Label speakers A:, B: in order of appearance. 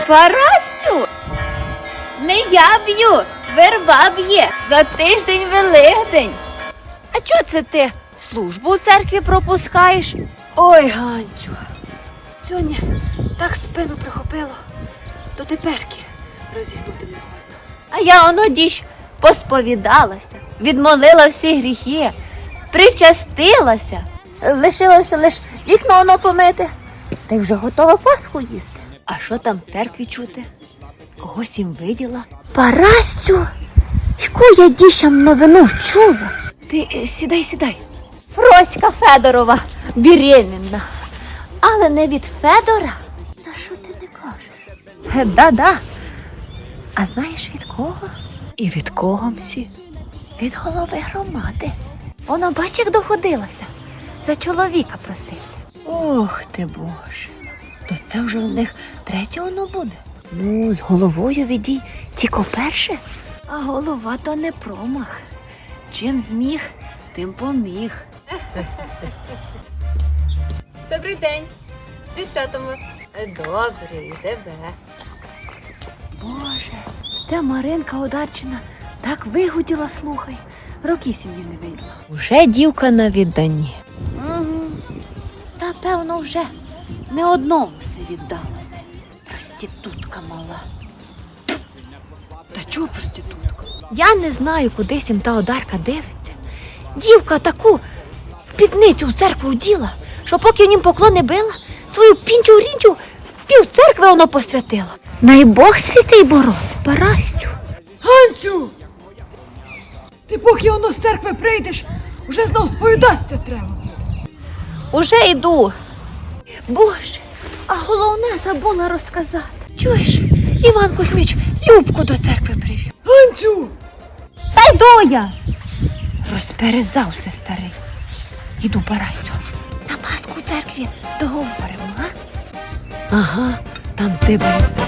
A: Парасю! Не я б'ю, верба б'є за тиждень Великдень. А чого це ти службу у церкві пропускаєш?
B: Ой, Ганцю, сьогодні так спину прихопило, до теперки розігнути не годно.
A: А я оно діж посповідалася, відмолила всі гріхи, причастилася. Лишилося лиш вікно оно помити, та й вже готова Пасху їсти. А що там в церкві чути? Когось їм виділа?
B: Парасю, яку я діщам новину чула?
A: Ти сідай. Фроська Федорова беременна. Але не від Федора.
B: Та що ти не кажеш?
A: Да. А знаєш від кого? І від кого, мсі? Від голови громади. Вона, бач, як доходилася. За чоловіка просити. Ох ти, Боже. То це вже у них третє воно буде. Ну, з головою відій тільки перше. А голова то не промах. Чим зміг, тим поміг.
C: Добрий день. Зі святом вас.
A: Добре, і тебе. Боже, ця Маринка Одарчина так вигуділа, слухай. Роки сім'ї не виділа. Уже дівка на відданні. Угу. Та, певно, вже не одному все віддалася. Проститутка мала.
B: Та чого проститутка?
A: Я не знаю, кудись їм та Одарка дивиться. Дівка таку спідницю в церкву вділа, що поки нім поклони била, свою пінчу-рінчу пів церкви воно посвятила. Най Бог святий боров, Парасю.
D: Ганцю! Ти поки воно з церкви прийдеш, уже знов сповідатися треба.
A: Уже йду. Боже, а головне забула розказати. Чуєш, Іван Кузьміч Любку до церкви привів.
D: Ганцю!
A: Та йду я. Розперезався старий. Іду, Парасю. На Пасху у церкві договоримо, а? Ага, там здибаємося.